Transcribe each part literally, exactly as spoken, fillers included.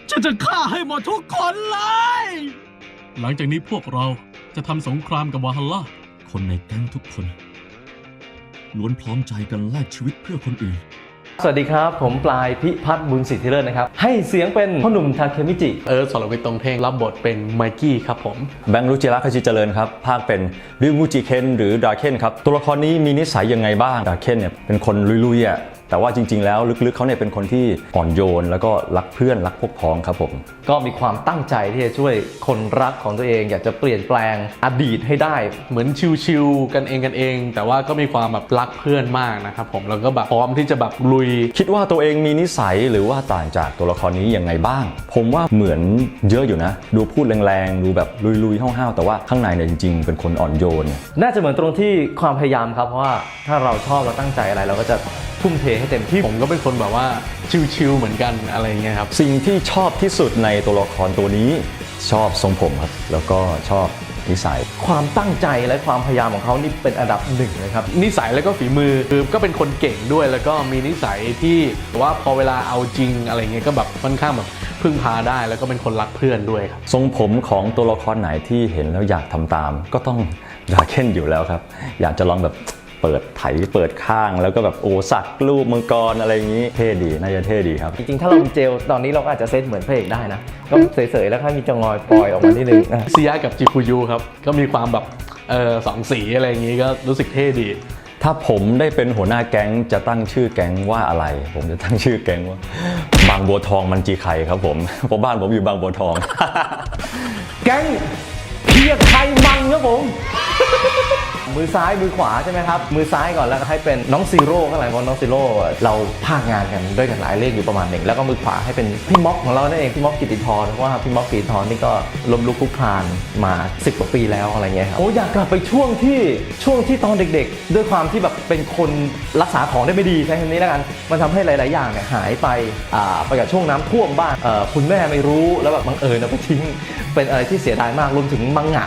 ฉันจะฆ่าให้หมดทุกคนเลยหลังจากนี้พวกเราจะทำสงครามกับวาฮัลล่าคนในแก๊งทุกคนล้วนพร้อมใจกันแลกชีวิตเพื่อคนอื่นสวัสดีครับผมปลายพิพัฒน์บุญสิทธิเลิศนะครับให้เสียงเป็นพ่อหนุ่มทาเคมิจิเออสรวิทย์ตรงเท่งรับบทเป็นไมกี้ครับผมแบงค์รุจิระคชิเจริญครับภาคเป็นริวมูจิเคนหรือดาเคนครับตัวละครนี้มีนิสัยยังไงบ้างดาเคนเนี่ยเป็นคนลุยๆอ่ะแต่ว่าจริงๆแล้วลึกๆเขาเนี่ยเป็นคนที่อ่อนโยนแล้วก็รักเพื่อนรักพวกพ้องครับผมก็มีความตั้งใจที่จะช่วยคนรักของตัวเองอยากจะเปลี่ยนแปลงอดีตให้ได้เหมือนชิวๆกันเองกันเองแต่ว่าก็มีความแบบรักเพื่อนมากนะครับผมแล้วก็แบบพร้อมที่จะแบบลุยคิดว่าตัวเองมีนิสัยหรือว่าต่างจากตัวละครนี้ยังไงบ้างผมว่าเหมือนเยอะอยู่นะดูพูดแรงๆดูแบบลุยๆห้าวๆแต่ว่าข้างในเนี่ยจริงๆเป็นคนอ่อนโยนน่าจะเหมือนตรงที่ความพยายามครับเพราะว่าถ้าเราชอบเราตั้งใจอะไรเราก็จะทุ่มเทให้เต็มที่ผมก็เป็นคนแบบว่าชิวๆเหมือนกันอะไรเงี้ยครับสิ่งที่ชอบที่สุดในตัวละครตัวนี้ชอบทรงผมครับแล้วก็ชอบนิสัยความตั้งใจและความพยายามของเขานี่เป็นอันดับหนึ่งเลยครับนิสัยแล้วก็ฝีมือคือก็เป็นคนเก่งด้วยแล้วก็มีนิสัยที่ว่าพอเวลาเอาจริงอะไรเงี้ยก็แบบค่อนข้างแบบพึ่งพาได้แล้วก็เป็นคนรักเพื่อนด้วยครับทรงผมของตัวละครไหนที่เห็นแล้วอยากทำตามก็ต้องดาเคนอยู่แล้วครับอยากจะลองแบบเปิดไถเปิดข้างแล้วก็แบบโอ้สักรูปมังกรอะไรอย่างนี้เท่ดีน่าจะเท่ดีครับจริงๆถ้าเราเจลตอนนี้เราก็อาจจะเซตเหมือนพระเอกได้นะก็เสยๆแล้วถ้ามีจงอยปล่อยออกมานิดนึงเซียกับจิคุยุครับก็มีความแบบเออสองสีอะไรอย่างนี้ก็รู้สึกเท่ดีถ้าผมได้เป็นหัวหน้าแก๊งจะตั้งชื่อแก๊งว่าอะไรผมจะตั้งชื่อแก๊งว่าบางบัวทองมันจีไข่ครับผมเพราะบ้านผมอยู่บางบัวทองแก๊งเพียไทยมันครับผมมือซ้ายมือขวาใช่ไหมครับมือซ้ายก่อนแล้วก็ให้เป็นน้องซีโร่ข้างหลังของน้องซีโร่เราพากงานกันด้วยกันหลายเลขอยู่ประมาณหนึ่งแล้วก็มือขวาให้เป็นพี่ม็อกของเรานั่นเองพี่ม็อกกิติธรเพราะว่าพี่ม็อกกิติธรนี่ก็ล้มลุกคลุกคลานมาสิบกว่าปีแล้วอะไรเงี้ยครับโอ้อยากกลับไปช่วงที่ช่วงที่ตอนเด็กๆด้วยความที่แบบเป็นคนรักษาของได้ไม่ดีใช้คำนี้แล้วกันมันทำให้หลายๆอย่างเนี่ยหายไปอ่าไปกับช่วงน้ำท่วมบ้างคุณแม่ไม่รู้แล้วแบบบังเอิญเอาไปทิ้งเป็นอะไรที่เสียดายมากรวมถึงมังงะ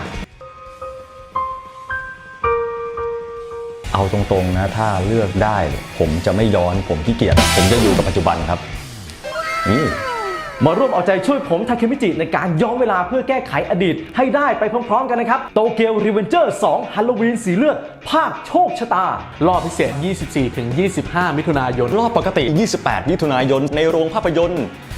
เอาตรงๆนะถ้าเลือกได้ผมจะไม่ย้อนผมขี้เกียจผมจะอยู่กับปัจจุบันครับนี่มาร่วมเอาใจช่วยผมทาเคมิจิในการย้อนเวลาเพื่อแก้ไขอดีตให้ได้ไปพร้อมๆกันนะครับโตเกียวรีเวนเจอร์สองฮาโลวีนสีเลือดภาคโชคชะตารอบพิเศษ ยี่สิบสี่ถึงยี่สิบห้า มิถุนายนรอบปกติยี่สิบแปดมิถุนายนในโรงภาพยนตร์